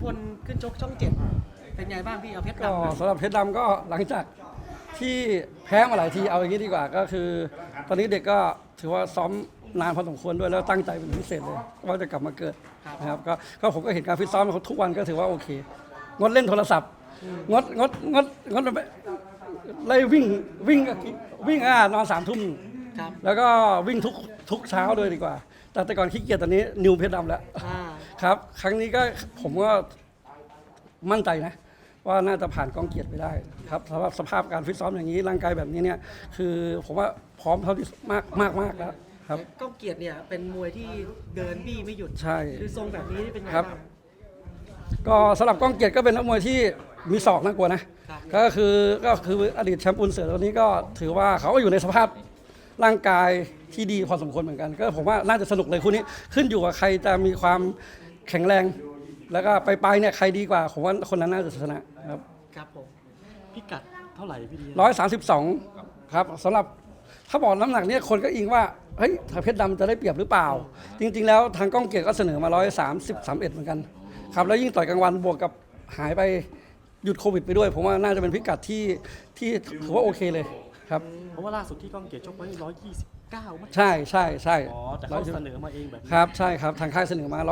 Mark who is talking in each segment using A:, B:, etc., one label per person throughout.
A: คนขึ้นชกช่องเจ็ดเป็นไงบ้างพี่เอาเพชร
B: ก็
A: ดำ
B: สำหรับเพชรดำก็หลังจากที่แพ้มาหลายทีเอาอย่างนี้ดีกว่าก็คือ ตอนนี้เด็กก็ถือว่าซ้อมนานพอสมควรด้วยแล้วตั้งใจเป็นพิเศษเลยว่าจะกลับมาเกิดนะครับก็ผมก็เห็นการฟิตซ้อมของเขาทุกวันก็ถือว่าโอเคงดเล่นโทรศัพท์งดไล่วิ่งนอน3 ทุ่ม
A: ครับ
B: แล้วก็วิ่งทุกเช้าเลยดีกว่า แต่ก่อนขี้เกียจตอนนี้นิวเพชรดำแล้ว
A: อ่า
B: ครับ ครั้งนี้ก็ผมก็มั่นใจนะ ว่าน่าจะผ่านกองเกียรติไปได้ครับสำหรับสภาพการฟิตซ้อมอย่างนี้ร่างกายแบบนี้เนี่ยคือผมว่าพร้อมเท่าที่มากแล้วครับ
A: ก้องเกียรติเนี่ยเป็นมวยที่เดินบี้ไม่หยุด
B: ใช่
A: คือทรงแบบนี้เป็นไง
B: ครับ
A: บ้าง
B: ก็สำหรับก้องเกียรติก็เป็นนักมวยที่มีศอกน่ากลัวนะครับ ก็คืออดีตแชมป์อุนเสือตัวนี้ก็ถือว่าเขาก็อยู่ในสภาพร่างกายที่ดีพอสมควรเหมือนกัน ก็ผมว่าน่าจะสนุกเลยคู่นี้ขึ้นอยู่กับใครจะมีความแข็งแรง แล้วก็ไปเนี่ยใครดีกว่าผมว่าคนนั้นน่าจะชนะครับ
A: ครับผม
C: พิกัดเท่าไหร่พี่ดี
B: 132ครับสำหรับถ้าบอกน้ำหนักเนี่ยคนก็อิงว่าเฮ้ยถ้าเพชรดำจะได้เปรียบหรือเปล่า จริง ๆ แล้วทางก้องเกียรติก็เสนอมา131เหมือนกันครับแล้วยิ่งต่อยกลางวันบวกกับหายไปหยุดโควิดไปด้วย ผมว่าน่าจะเป็นพิกัดที่ถือว่าโอเคเลยครับ
C: เพราะว่าล่าสุดที่ก้องเกียรติชกไว้129มั้ย
B: ใช่
C: อ๋อแต่เขาเสนอมาเองแบบนี้
B: ครับใช่ครับทางค่ายเสนอมา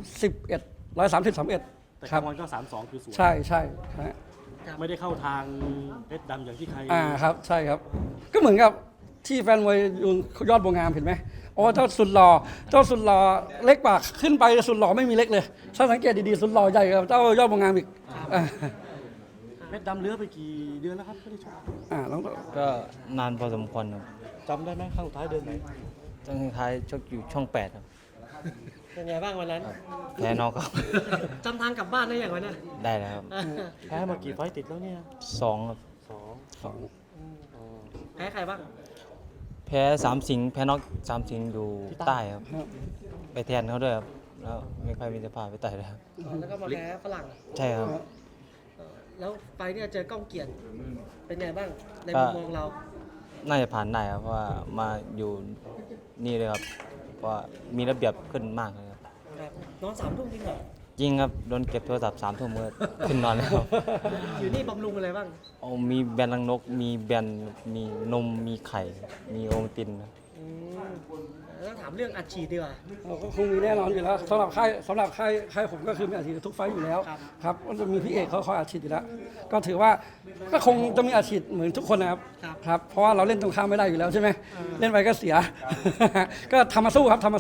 B: 131
C: แต่
B: ครั
C: กา
B: บ
C: งวันก็32คือสวย
B: ใช่ฮะ
C: ไม่ได้เข้าทางเพชรดำอย่างที่ใคร
B: ครับใช่ครับ ก็เหมือนกับที่แฟนมวยยอดบัวงามเห็นไหมอ๋อเจ้าสุดหล่อเล็กกว่าขึ้นไปสุดหล่อไม่มีเล็กเลยถ้าสังเกตดีๆสุดหล่อใหญ่กว่าเจ้ายอดบัวงามอีกอ่า
C: เพชรดำเลื้อไปกี่เดือนแล้วครับไม่ได้ชก
B: แล้ว
D: ก็นานพอสมควรครับ
C: จำได้ไหมครั้งสุดท้ายเดือนไหน
D: ตั้งท้ายชกอยู่ช่อง 8 ครับ
A: เป็นไงบ้างวันนั้น
D: แพ้นอกครับ
A: จำทางกลับบ้านได้อย่างวันนั้น
D: ได้แล้วครับ
C: แพ้มากี่ไฟต์ติดแล้วเนี่ย
D: 2ครับ
C: สอง
A: แพ้ใครบ้าง
D: แพ้3 สิงห์แพ้นอก3 สิงห์อยู่ใต้ครับ ไปแทนเขาด้วยครับ แล้วไม่ค่อยมีสภาพไปไต่เลยครับ
A: แล้วก็มาแพ้ฝรั่ง
D: ใช่ครับ
A: แล้วไฟล์เนี่ยเจอก้องเกียรติเป็นไงบ้างในมุมมองเรา
D: น่าจะผ่านได้ครับ เพราะว่ามาอยู่นี่เลยครับ เพราะว่ามีระเบียบขึ้นมากเลยครับ
A: ครับนอน3 ทุ่มจริงเหรอ
D: จริงครับ โดนเก็บโทรศัพท์3 ทุ่มเมื่อขึ้นนอนแล้วครับ
A: อยู่นี่บำรุงอะไรบ้าง
D: เอามีแบนรังนก มีแบนมีนม มีไข่ มีโอวัลตินครับ
A: อืมแล้วถามเรื่องอัดฉีดดีกว่า
B: ก็คงมีแน่นอนอยู่แล้วสำหรับค่ายผมก็คือมีอาชีพทุกไฟต์อยู่แล้ว
A: ครับ
B: ครับก็จะมีพี่เอกเขาคอยอาชีพอยู่แล้ว ก็ถือว่าก็คงจะมีอาชีพเหมือนทุกคนนะครับ ครับเพราะว่าเราเล่นตรงข้ามไม่ได้อยู่แล้วใช่ไหมเล่นไปก็เสีย ก็ทำมาสู้ครับครับ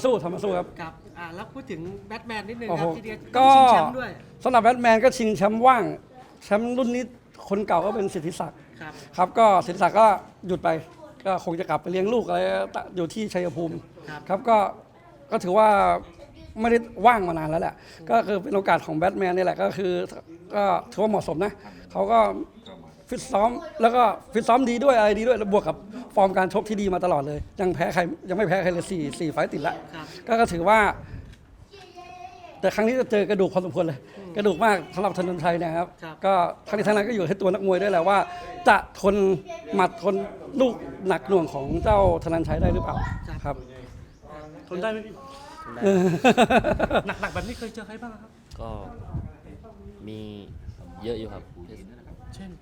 A: แล้วพูดถึงแบทแมนนิดนึง
B: โอ้
A: ค
B: โห
A: รับที่เดีย
B: ก็
A: ชิงแชมป์ด้วย
B: สำหรับแบทแมนก็ชิงแชมป์ว่างแชมป์รุ่นนี้คนเก่าก็เป็นสิทธิศักดิ์
A: ครับ
B: ครับก็สิทธิศักดิ์ก็หยุดไป ก็คงจะกลับไปเลี้ยงลูกอะไรอยู่ที่ชัยภูมิ
A: ครับ
B: ครับก็ถือว่าไม่ได้ว่างมานานแล้วแหละก็คือเป็นโอกาสของแบทแมนนี่แหละก็คือก็ถือว่าเหมาะสมนะเขาก็ฟิตซ้อมแล้วก็ฟิตซ้อมดีด้วยอะไรดีด้วยแล้วบวกกับฟอร์มการชกที่ดีมาตลอดเลยยังไม่แพ้ใครเลย4 ไฟต์ติดละ
A: ครับ
B: ก็ถือว่า แต่ครั้งนี้จะเจอกระดูกพอสมควรเลย กระดูกมากสำหรับธนนชัยเนะครับ ก็ทั้งนี้ทั้งนั้นก็อยู่ที่ตัวนักมวยด้วยแหละว่า จะทนหมัดทนลูกหนักหน่วงของเจ้าธนนชัยได้หรือเปล่าครับ
C: ทนได้ไหมพี่หนักแบบนี้เคยเจอใครบ้างครับ
E: ก็มีเยอะอยู่ครับ
C: เช่น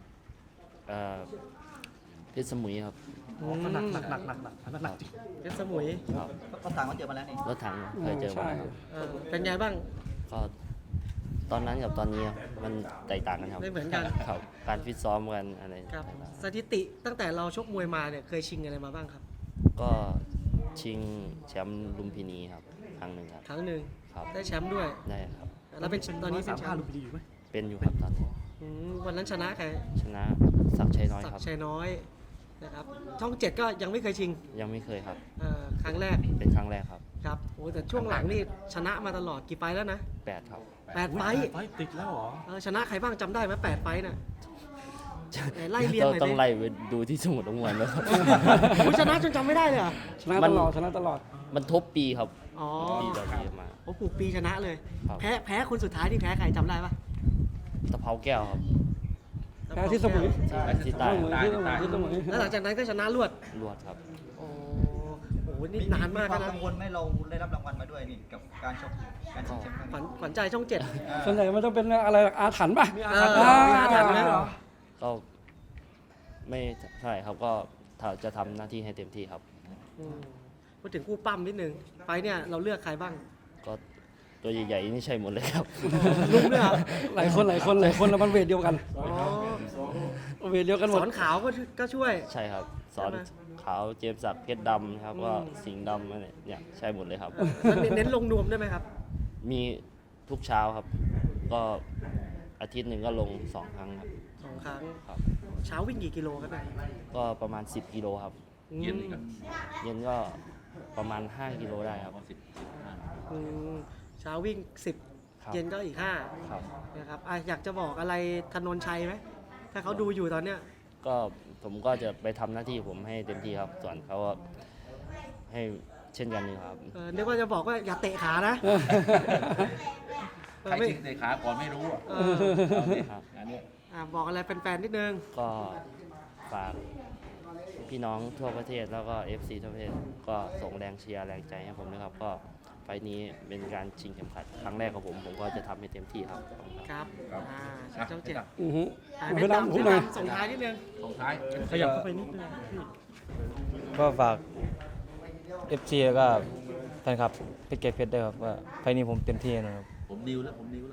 E: เพชรสมุยครับ
C: ก็หนักจริง
A: เพชรสมุย
E: ครับ
F: รถถังก็เจอมาแล้วนี่
E: รถถังเคยเจอมาครับ
A: เป็นไงบ้าง
E: ก็ตอนนั้นกับตอนนี้มันแตกต่างกันครับ
A: ไม่เหมือนกัน
E: ครับการฟิตซ้อมกันอะไร
A: ครับสถิติตั้งแต่เราชกมวยมาเนี่ยเคยชิงอะไรมาบ้างครับ
E: ก็ชิงแชมป์ลุมพินีครับครั้งหนึ่งครับ
A: ครั้งหนึ่ง
E: ครับ
A: ได้แชมป์ด้วย
E: ได้ครับ
A: แล้วเป็นตอนนี้เป็นแชม
C: 135
A: ป์
C: ลูกดีอยู่ไหม
E: เป็นอยู่ครับตอนนี้
A: วันนั้นชนะใคร
E: ชนะศักดิ์ชัยน้อย
A: ศัก
E: ครับ
A: ดิ์ชัยน้อยนะครับช่อง7ก็ยังไม่เคยชิง
E: ยังไม่เคยครับ
A: ครั้งแรก
E: เป็นครั้งแรกครับ
A: ครับโอ้แต่ช่วงหลังนี่ชนะมาตลอดกี่ไฟล์แล้วนะ
E: 8 ครับ
A: 8 ไฟล์
C: ไฟต์ติดแล้วเหรอ
A: ชนะใครบ้างจำได้ไหม8 ไฟล์น่ะไล่เรียงหน่อย
E: ต้อง
A: ดิ
E: ไล่ไปดูที่สมุดลงมวยแล้วครับ
A: คุณชนะจนจำไม่ได้เลยเหรอ
B: ชนะตลอด
E: มันทบปีครับ
A: อ๋อ
E: ปีต่อปีมา
A: โอ้ปลูกปีชนะเลย
E: ครับ
A: แพ้คนสุดท้ายที่แพ้ใครจำได้ปะ
E: ตะเภาแก้วครับ
B: แพ้ที่สมุย
E: ที่ใต้
B: ที่สมุย
A: แล้วหลังจากนั้นก็ชนะรวด
E: รวดครับ
A: โอ้โหนี่นานมาก
F: ควา
A: นะ
F: มกังวลไหมเราได้รับรางวัลมาด้วยนี่กับการชกการชิงแชมป์ครั้ง
A: ขวัญ
F: นี้
A: ขวัญใจช่องเจ็ด
B: ส่วนใหญ่มันจะเป็นอะไรอาถรรพ์ป่ะ
A: มีอาถรรพ์ไหม
E: ก็ไม่เท่าไหร่ครับก็จะทำหน้าที่ให้เต็มที่ครับ
A: อืมพูดถึงคู่ปั้มนิดนึงไฟล์เนี่ยเราเลือกใครบ้าง
E: ก็ตัวใหญ่ๆนี่ใช่หมดเลยครับ
A: ลุงด้วยเหรอ
B: หลายคนแล้วมันเวทเดียวกัน
A: อ๋อ
B: เวทเดียวกันหม
A: ส
B: ด
A: อนขาวก็ช่วย
E: ใช่ครับ สอน
A: ใช่ไหม
E: ขาวเจมส์ศักดิ์เพชรดำครับก็สิงห์ดำอะไรเนี่ยใช่หมดเลยครับ
A: แล้วเน้นลงนวมได้ไหมครับ
E: มีทุกเช้าครับ ก็อาทิตย์หนึ่งก็ลง 2 ครั้งครับ
A: 2 ครั้ง
E: ครับ
A: เช้าวิ่งกี่กิโลครับเนี่ย
E: ก็ประมาณ 10 กิโลครับ
A: เย็น
E: เย็นก็ประมาณ 5 กิโลได้ครับ
A: เช้าวิ่ง
E: ครับ
A: 10 เย็นก็อีก
E: ครับ
A: 5นะครับอยากจะบอกอะไรธนนชัยไหมถ้าเขาดูอยู่ตอนเนี้ย
E: ก็ผมก็จะไปทำหน้าที่ผมให้เต็มที่ครับ ส่วนเขาก็ให้เช่นกันนี่ครับ
A: นึกว่าจะบอกว่าอย่าเตะขานะ
G: ใครจริงเตะขาก่อนไม่รู้อ่ะ
A: เออ
E: ครับ
G: อันเนี้ย
A: บอกอะไรแฟนๆนิดนึง
E: ก็ฝากพี่น้องทั่วประเทศแล้วก็ FC ทั่วประเทศก็ส่งแรงเชียร์แรงใจให้ผมนะครับ ก็ไฟล์นี้เป็นการชิงเข็มขัดครั้งแรกของผมก็จะทำให้เต็มที่ครับขอบคุณครับ
A: ครับช่องเจ็ด
B: อือฮึ
A: เพชรดำ
B: พูดหน่อย
A: ส่งท้ายนิดนึง
G: ตรงท้าย
C: ขยับเข้าไปนิดนึงพี่
D: ก็ฝาก FC แล้วก็แฟนคลับเพชรเกตเพชรด้วยครับว่าไฟล์นี้ผมเต็มที่นะครับ
G: ผมดิวแล้วผมเป็นดิว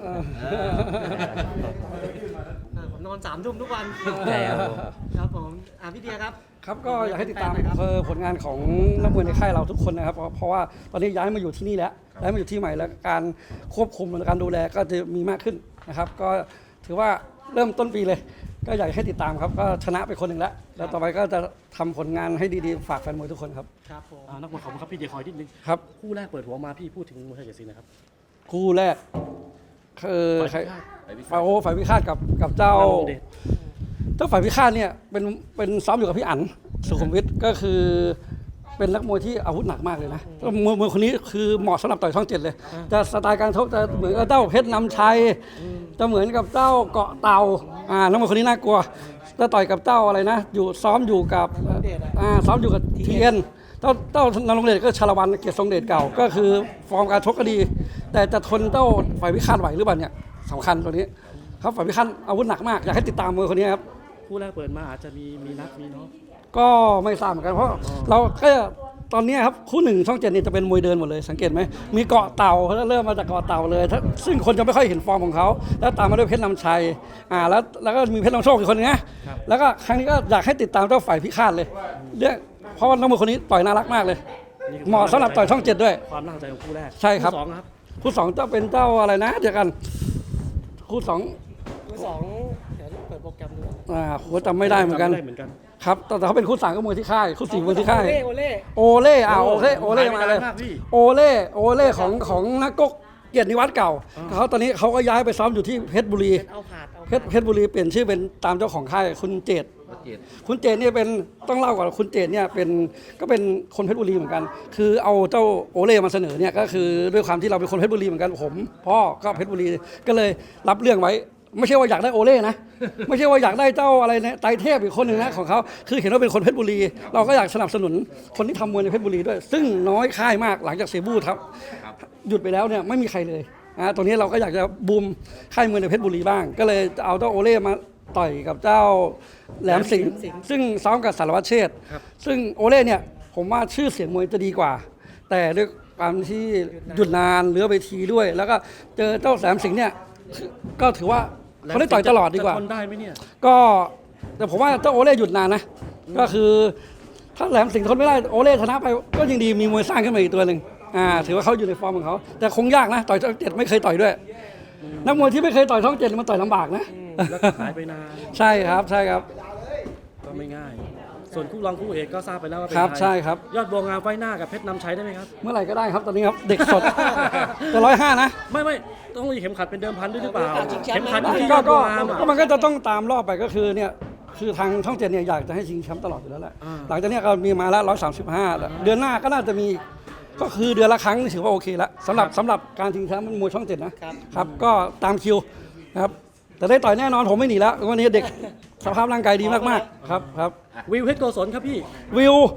A: ผมนอน3 ทุ่มทุกวัน
D: ใช่ครับผม
A: ครับผมพี่เดียครับ
B: ครับก็อยากให้ติดตาม
A: แฟนๆหน่อยครับ
B: ผลงานของนักมวยในค่ายเราทุกคนนะครับเพราะว่าตอนนี้ย้ายมาอยู่ที่นี่แล้วย้ายมาอยู่ที่ใหม่แล้วการควบคุมและการดูแลก็จะมีมากขึ้นนะครับ ก็ถือว่าเริ่มต้นปีเลย ก็อยากให้ติดตามครับก็ชนะไปคนหนึ่งแล้วต่อไปก็จะทำผลงานให้ดีๆฝากแฟนมวยทุกคนครับ
A: ครับผม
C: นักมวยขอบคุณครับพี่เดียคอยนิดนึง
B: ครับ
C: คู่แรกเปิดหัวมาพี่พูดถึงมวยไทยเจ็ดสีนะครับ
B: คู่แรกคือใคร
C: ฝ่ายพิฆาต
B: ฝ่ายพิฆาตกับเจ้า
C: นรงเดช
B: เจ้าฝ่ายพิฆาตเนี่ยเป็นซ้อมอยู่กับพี่อั๋นสุขุมวิทก็คือเป็นนักมวยที่อาวุธหนักมากเลยนะมวยคนนี้คือเหมาะสำหรับต่อยช่อง 7 เลย จะสไตล์การชกจะเหมือนกับเจ้าเพชรนำชัยจะเหมือนกับเจ้าเกาะเต่านักมวยคนนี้น่ากลัวจะต่อยกับเจ้าอะไรนะอยู่ซ้อมอยู่กับซ้อมอยู่กับเทียนเจ้านรงเดชก็ชาละวันเกียรติทรงเดชเก่าก็คือฟอร์มการชกก็ดี แต่จะทนเจ้าฝ่ายพิฆาตไหวหรือเปล่าเนี่ยสำคัญตัวนี้ครับฝ่ายพิฆาตอาวุธหนักมากอยากให้ติดตามมวยคนนี้ครับ
C: คู่แรกเปิดมาอาจจะมีนัดมีเนาะ
B: ก็ไม่ทราบเหมือนกันเพราะเราก็ตอนนี้ครับคู่หนึ่งช่อง 7เนี่ยจะเป็นมวยเดินหมดเลยสังเกตไหมมีเกาะเต่าเขาเริ่มมาจากเกาะเต่าเลยซึ่งคนจะไม่ค่อยเห็นฟอร์มของเขาแล้วตามมาด้วยเพชรนำชัยแล้วก็มีเพชรนำโชคอีกคนนึงนะแล้วก็ครั้งนี้ก็อยากให้ติดตามเจ้าฝ่ายพิฆาตเลยเพราะว่านักมวยคนนี้ต่อยน่ารักมากเลยเหมาะสำหรับต่อยช่อง 7 ด้วย
C: ความน่าสนใจของคู่แรก
B: ใช่ครับ
C: สองครับ
B: คู่สองจะเป็นเจ้าอะไรนะเดี๋ยวกันคู่สอง
A: คู่สองเดี๋ยวเปิดโปรแกรมดู
B: โหจำไม่ได้เหมือนกัน
C: จำไม่ได้เหมือนกัน
B: ครับแต่เขาเป็นคู่สามก็มวยที่ค่ายคู่สี่มวยที่ค่าย
A: โอเล่
B: โอเล่โอเล่มาเลย
C: มากพี่
B: โอเล่ของนักกกเกียรตินิวัฒน์เก่าเขาตอนนี้เขาก็ย้ายไปซ้อมอยู่ที่เพชรบุรี
A: เอาผาด
B: เพชรบุรีเปลี่ยนชื่อเป็นตามเจ้าของค่ายคุณเจต
G: เจ็ด
B: คุณเจตเนี่ยเป็นต้องเล่าก่อนคุณเจตเนี่ยก็เป็นคนเพชรบุรีเหมือนกัน คือเอาเจ้าโอเล่มาเสนอเนี่ยก็คือด้วยความที่เราเป็นคนเพชรบุรีเหมือนกันผมพ่อก็เพชรบุรีก็เลยรับเรื่องไว้ ไม่ใช่ว่าอยากได้โอเล่นะ ไม่ใช่ว่าอยากได้เจ้าอะไรนะไตรเทพอีกคนหนึ่งนะของเขาคือเห็นว่าเป็นคนเพชรบุรี เราก็อยากสนับสนุนคนที่ทำมวยในเพชรบุรีด้วย ซึ่งน้อยค่ายมากหลังจากเซบูครับหยุดไปแล้วเนี่ยไม่มีใครเลยตรงนี้เราก็อยากจะบูมค่ายมวยในเพชรบุรีบ้าง ก็เลยเอาเจ้าโอเล่มาต่อยกับเจ้าแหลมสิงห์ซึ่งซ้อมกับสารวัตรเชษฐ์ซึ่งโอเล่เนี่ยผมว่าชื่อเสียงมวยจะดีกว่า แต่ด้วยความที่หยุดนานเหลือเวทีด้วย แล้วก็เจอเจ้าแหลมสิงห์เนี่ยก็ถือว่าเขาได้ต่อยตลอดดีกว่า
C: จะทนได้ไหมเนี่ย
B: ก็แต่ผมว่าเจ้าโอเล่หยุดนานนะก็คือถ้าแหลมสิงห์ทนไม่ได้โอเล่ชนะไปก็ยังดีมีมวยสร้างขึ้นมาอีกตัวหนึ่งถือว่าเขาอยู่ในฟอร์มของเขาแต่คงยากนะต่อยช่อง 7ไม่เคยต่อยด้วยนักมวยที่ไม่เคยต่อยช่อง 7มันต่อยลำบากนะ
C: แล้วก็หายไปนาน
B: ใช่ครับใช่ครับ
C: ก็ไม่ง่าย ส่วนคู่รองคู่เอกก็ทราบไปแล้วว่าเป็น
B: ครับ
C: ใคร
B: ใช่ครับ
C: ยอดบัวงามไฟหน้ากับเพชรนำชัยได้ไหมครับ
B: เมื่อไหร่ก็ได้ครับตอนนี้ครับเด็กสดแต่105นะ
C: ไม่ต้องมีเข็มขัดเป็นเดิมพันด้วยหรือเปล่า
A: ชิงแชมป์
C: เข็มขัดอยู่ที่ย
B: ก็
C: อดบัวงามอะ
B: มันก็จะต้องตามรอบไปก็คือเนี่ยคือทางช่อง 7เนี่ยอยากจะให้ชิงแชมป์ตลอดอยู่แล้วแหละ
C: อ่า
B: หลังจากเนี้ยก็มีมาแล้ว135แล้วเดือนหน้าก็น่าจะมีก็คือเดือนละครั้งนี่ถือว่าโอเคแล้วสำหรับการชิงแชมป์มวยช่อง 7นะครับก็ตามคิวนะครับแต่ได้ต่อยแน่นอนผมไม่หนีแล้ววันนี้เด็กสภาพร่างกายดีมากๆครับ
C: วิวเพชรโกศลครับพี่
B: วิว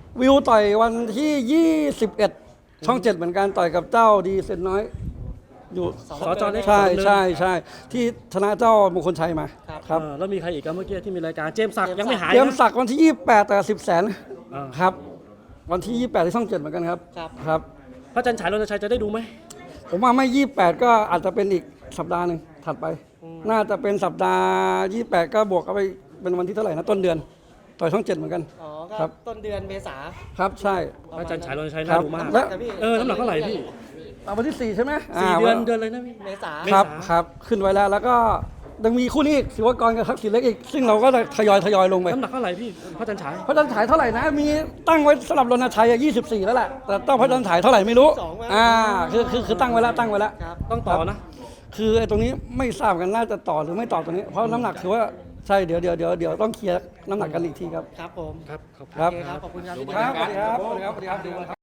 B: วิวต่อยวันที่ 21 ช่อง 7 เหมือนกันต่อยกับเจ้าดีเซนน้อย อยู่
C: สจเล็ก
B: ใช่
C: คนหนึ่ง
B: ใช่ใช่ที่ชนะเจ้ามงคลชัยมาครับ
C: แล้วมีใครอีกครับเมื่อกี้ที่มีรายการเจมส์ศักดิ์ยังไม่หาย
B: เตรียม
C: นะ
B: ศักดิ์วันที่ 28 แต่10 แสน
C: อ่า
B: ครับ วันที่ 28 ที่ช่อง 7 เหมือนกันครับ
A: ครับ
B: ครับ
C: พระจันทร์ฉายรณชัยจะได้ดูไหม
B: ผมว่าไม่ 28 ก็อาจจะเป็นอีกสัปดาห์หนึ่งถัดไป น่าจะเป็นสัปดาห์ 28 ก็บวกเข้าไปเป็นวันที่เท่าไหร่นะต้นเดือนต่อยช่อง 7 เหมือนกัน
A: อ๋อ
B: ครั
A: ก็
B: บ
A: ต้นเดือนเมษา
B: ครับใช่
C: พระจันทร์ฉายรณชัย
B: ครั
C: น่า
B: บ
C: ดูมาก
B: และ
C: น้ำหนักเท่าไหร่พี่
B: วันที่ 4 ใช่ไหม
C: 4 เดือนเดือนเลยนะพี่
A: เมษา
B: ครับ
C: เมษา
B: ครับขึ้นไว้แล้วแล้วก็ยังมีคู่นี้อีกศิวกรกับทักษิณเล็กอีก ซึ่งเราก็จะทยอยลงไป
C: น้ำหนักเท่าไหร่พี่พระจันทร์ฉาย
B: พระจันทร์ฉายเท่าไหร่นะ มีตั้งไว้สำหรับรณชัยอะ24 แล้วแหละแต่ต้องพระจันทร์ฉายเท่าไหร่ไม่รู้
A: 22มั้ย
B: คือตั้งไว้แล้ว
A: ครับ
C: ต้องต่อนะ
B: คือไอ้ตรงนี้ไม่ทราบกันน่าจะต่อหรือไม่ต่อตรงนี้ เพราะน้ำหนักคือว่าใช่เดี๋ยวต้องเคลียร์น้ำหนักกันอีกทีครับ
A: ครับผม
C: ครับขอบคุณ
B: ครับ
A: โอเคครับ ขอบคุณครับพี่
B: ครับสวัสดีครับสวัสดีครับสวัสดีครับ